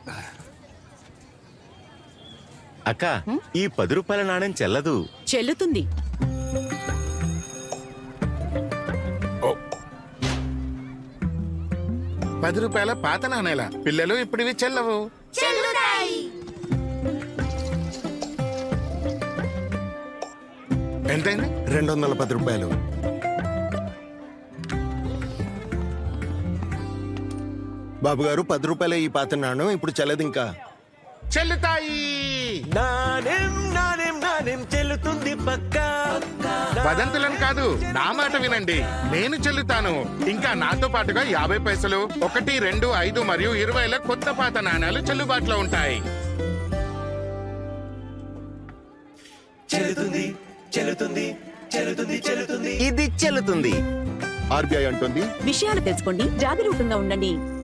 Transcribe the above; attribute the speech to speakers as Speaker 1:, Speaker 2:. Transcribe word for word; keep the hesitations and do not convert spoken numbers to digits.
Speaker 1: అక్క, ఈ పది రూపాయల నాణ్యం చెల్లదు.
Speaker 2: చెల్లుతుంది.
Speaker 3: పది రూపాయల పాత నాణేల పిల్లలు ఇప్పుడు ఇవి చెల్లవు. ఎంతైంది?
Speaker 4: రెండు వందల పది రూపాయలు. బాబు గారు, పది రూపాయల ఈ పాత నాణం ఇప్పుడు చెల్లదు. ఇంకా
Speaker 3: చెల్లుతాయి.
Speaker 1: నాణ్యం నాణ్యం నాణ్యం చెల్లుతుంది పక్కా.
Speaker 3: వదంతులను కాదు, నా మాట వినండి. నేను చెల్లుతాను. ఇంకా నాతో పాటుగా యాభై పైసలు, ఒకటి, రెండు, ఐదు మరియు ఇరవైల కొత్త పాత నాణాలు చెల్లుబాటులో ఉంటాయి.
Speaker 1: చెల్లుతుంది చెల్లుతుంది చెల్లుతుంది చెల్లుతుంది ఇది చెల్లుతుంది.
Speaker 4: ఆర్బీఐ అంటుంది,
Speaker 2: విషయాలు తెలుసుకోండి, జాగరూకంగా ఉండండి.